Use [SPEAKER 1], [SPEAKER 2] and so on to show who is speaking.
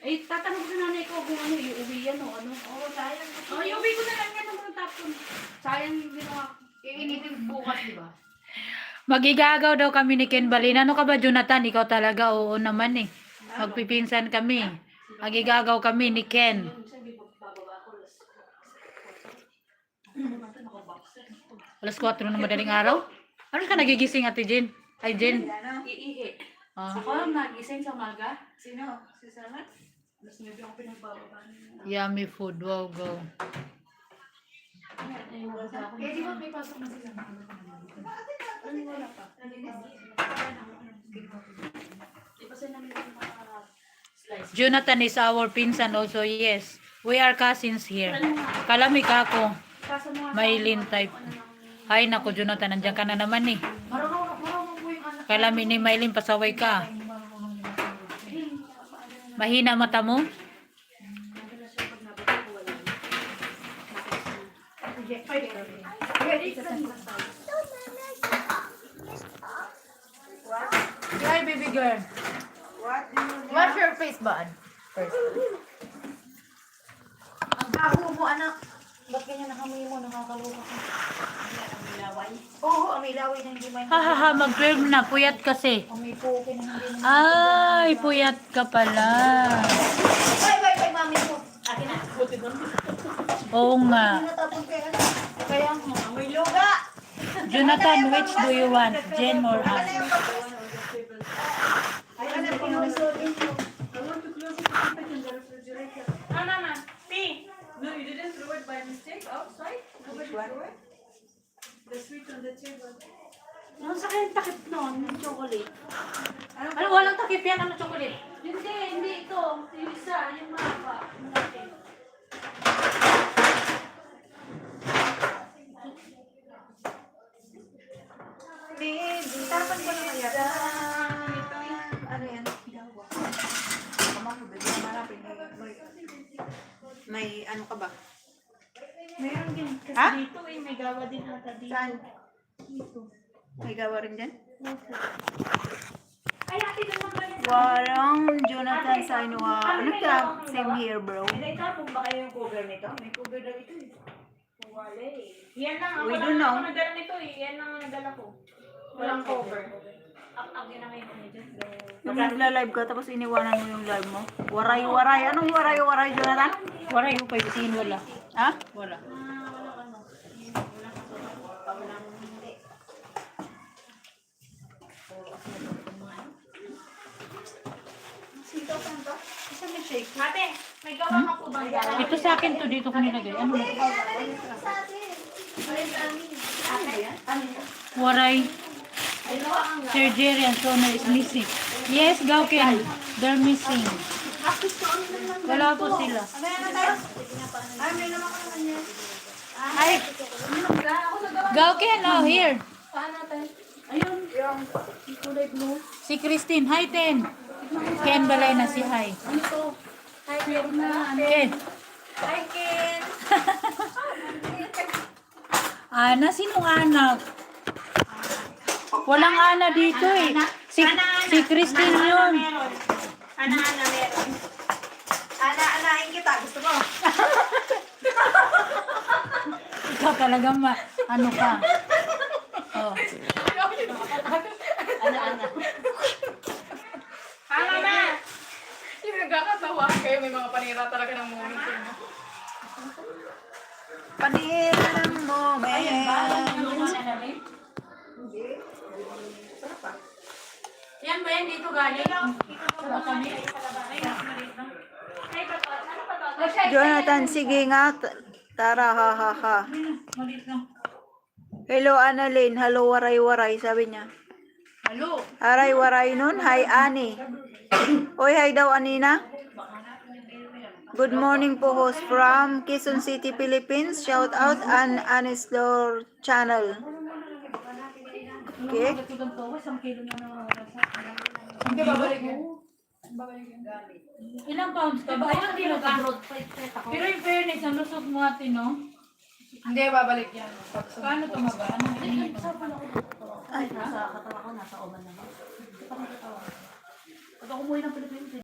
[SPEAKER 1] Eh, tatanong ko sa nanay ko kung ano, iuwi yan o ano.
[SPEAKER 2] Oo, sayang.
[SPEAKER 1] Iuwi ko na lang yan ng mga tapon. Sayang yung ginawa ko.
[SPEAKER 2] Iinitin bukas, di ba?
[SPEAKER 3] Magigagaw daw kami ni Ken Balin. Ano ka ba, Jonathan? Ikaw talaga, oo naman eh. Magpipinsan kami. Magigagaw kami ni Ken. Alas 4 na madaling araw? Ano ka nagigising, Ate Jen? Ay, Jen.
[SPEAKER 1] Iihi.
[SPEAKER 3] Ah,
[SPEAKER 1] Ako nagising sa umaga.
[SPEAKER 2] Sino? Si Sarah?
[SPEAKER 1] Mas maybe ako pinagbababa niya.
[SPEAKER 3] yummy food. Wow, go.
[SPEAKER 2] Eh, di ba may pasok na sila?
[SPEAKER 1] Wala pa. Ipasin namin yung mga slice.
[SPEAKER 3] Jonathan is our pinsan also, yes. We are cousins here. Kalamig ako.
[SPEAKER 1] Kaso mga
[SPEAKER 3] Maylin type. Ay, naku, Jonathan, nandiyan ka na naman eh.
[SPEAKER 2] Marunong po yung anak.
[SPEAKER 3] Kalami ni Maylin, pasaway ka. Mahina mata mo? Hi, baby girl.
[SPEAKER 2] What do you
[SPEAKER 3] Wash your face, bud. First.
[SPEAKER 2] Ang baho mo, anak. Ba't ganyan nakamuhi mo? Nakakaloka ka. Oo, may laway na hindi may...
[SPEAKER 3] Hahaha, mag-12 na. Puyat kasi.
[SPEAKER 2] May puke na hindi na...
[SPEAKER 3] Ay, puyat ka pala.
[SPEAKER 2] Bye, mami mo. Akin na.
[SPEAKER 3] Oo nga.
[SPEAKER 2] Natapon kayo, anak. Kaya nga, may luga.
[SPEAKER 3] Jonathan, which do you want? Jen or us?
[SPEAKER 2] Ay, anak ko yung resultin mo.
[SPEAKER 1] Mama, P. No, you didn't throw it by mistake outside?
[SPEAKER 2] Which one?
[SPEAKER 1] The sweet on the table. Ano sa kayong takip nun? Yung chocolate.
[SPEAKER 3] Ano, walang takip yan. Ano chocolate?
[SPEAKER 1] Hindi ito. Yung isa, yung mahaba. Malaki.
[SPEAKER 2] Tarapan ko na kaya. Ano yan? May ano ka ba?
[SPEAKER 1] Meron din. Kasi
[SPEAKER 2] Ha?
[SPEAKER 1] dito eh, may gawa din ata dito.
[SPEAKER 2] Saan?
[SPEAKER 1] Dito.
[SPEAKER 2] May gawa rin dyan?
[SPEAKER 1] Ay, ate, naman ba yun?
[SPEAKER 2] Warang Jonathan Sainua. Ano ka? Same here, bro.
[SPEAKER 1] Hindi, tapos ba kayo yung cover nito? May cover daw ito eh. Wala eh. Yan lang.
[SPEAKER 2] We
[SPEAKER 1] Ako
[SPEAKER 2] don't
[SPEAKER 1] lang
[SPEAKER 2] know.
[SPEAKER 1] ako nagdala nito eh. Yan lang ang nagdala ko. Walang cover. Ang ginamay ko niya dyan.
[SPEAKER 2] Yung nagla-live ka tapos iniwanan mo yung live mo. Waray-waray. Anong waray-waray, Jonathan?
[SPEAKER 3] Wala yung 5 wala.
[SPEAKER 2] Ha?
[SPEAKER 3] Wala.
[SPEAKER 1] Walang ano. Walang hindi.
[SPEAKER 2] Sitaw pa ba? Isa may shake.
[SPEAKER 1] Ate, may gawa ka po bang gawa?
[SPEAKER 3] Ito sa akin to, dito ko nilagay. Ano? Waray. Surgery and toner is missing. Yes, Gauken. They're missing. Wala po sila.
[SPEAKER 2] Ay, may naman ka naman yan.
[SPEAKER 3] Ay, Gauken, oh, here.
[SPEAKER 1] Paano tayo? Ayun.
[SPEAKER 2] Yung
[SPEAKER 1] Kulay blue.
[SPEAKER 3] Si Christine. Hi, Ten. Ken Balay na si Hi.
[SPEAKER 1] Ano to? Hi, Ken na.
[SPEAKER 3] Ken.
[SPEAKER 1] Hi, Ken.
[SPEAKER 3] Ana, sinong anak? Walang Ana dito eh. Si Christine yun.
[SPEAKER 1] Ana, meron.
[SPEAKER 2] Ana-anain kita. Gusto mo?
[SPEAKER 3] Ikaw talaga ano ka. Oh.
[SPEAKER 1] Ana. Ana na.
[SPEAKER 4] Yung nagkakatawa kayo, may mga panira talaga ng moment yun.
[SPEAKER 2] Panira ng moment.
[SPEAKER 3] Yan ba yan dito galing?
[SPEAKER 2] Jonathan, sige nga. Tara, ha, ha, ha.
[SPEAKER 3] Malit lang.
[SPEAKER 2] Hello, Annalyn. Hello, waray-waray, sabi niya.
[SPEAKER 3] Halo.
[SPEAKER 2] Aray-waray nun. Hi, Ani. Oy, hi daw, Anina. Good morning po, host from Quezon City, Philippines. Shout out an Anislor channel. Okay.
[SPEAKER 3] Hindi babalik mo. Ilang pounds ka ba? Ilang kilo ka? Pero in fairness, ang lusog mo ate, no?
[SPEAKER 4] Hindi, babalik yan.
[SPEAKER 3] Paano tumaba? Ano?
[SPEAKER 2] Ay,
[SPEAKER 1] Nasa katawa ko, nasa oban na. Pag ako umuwi ng Pilipinas,